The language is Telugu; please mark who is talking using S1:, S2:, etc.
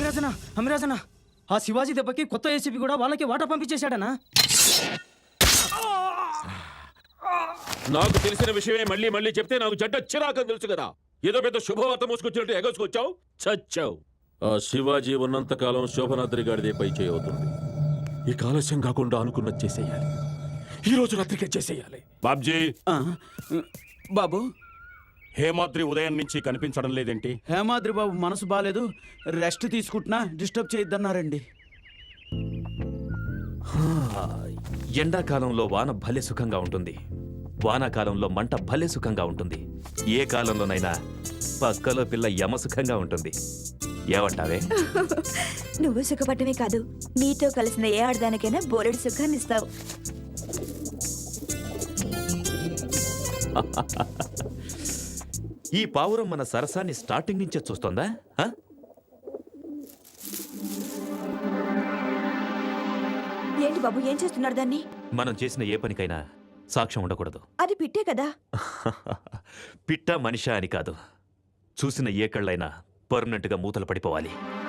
S1: అమిరాజనా ఆ శివాజీ దెబ్బకి కొత్త ఏసీపీ కూడా వాళ్ళకి వాటా పంపించేశాడనా?
S2: నాకు తెలిసిన విషయమే మళ్ళీ మళ్ళీ చెప్తే నాకు చెడ్డ చిరాకని తెలుసు కదా. ఏదో పెద్ద శుభవార్త మోసుకొచ్చినట్టు ఎగసుకొచ్చావు, చచ్చావు. ఆ శివాజీ ఉన్నంతకాలం శోభనాద్రి గారిదే పై చేయవుతుంది. ఈ ఆలస్యం కాకుండా అనుకున్నది చేసేయాలి. ఈ రోజు రాత్రికే చేసేయాలి. బాబ్జీ,
S3: బాబు,
S2: హేమాద్రి ఉదయం నుంచి కనిపించడం లేదేంటి?
S3: హేమాద్రి బాబు మనసు బాలేదు, రెస్ట్ తీసుకుంటున్నా, డిస్టర్బ్ చేయొద్దన్నారండి.
S4: ఎండాకాలంలో వాన భలే సుఖంగా ఉంటుంది, వానాకాలంలో మంట భలే సుఖంగా ఉంటుంది. ఏ కాలంలోనైనా పక్కలో పిల్ల యమ సుఖంగా ఉంటుంది. ఏమంటావే?
S5: నువ్వు సుఖపడమే కాదు, నీతో కలిసిన ఏ ఆడదానికైనా బోలెడు సుఖాన్ని ఇస్తావు.
S4: ఈ పావురం మన సరసాన్ని స్టార్టింగ్ నుంచే చూస్తోందా?
S5: ఏంటి బాబు, ఏం చేస్తున్నారు దాన్ని?
S4: మనం చేసిన ఏ పనికైనా సాక్ష్యం ఉండకూడదు.
S5: అది పిట్టే కదా.
S4: పిట్ట మనిషా అని కాదు, చూసిన ఏ కళ్ళైనా పర్మనెంట్గా మూతలు పడిపోవాలి.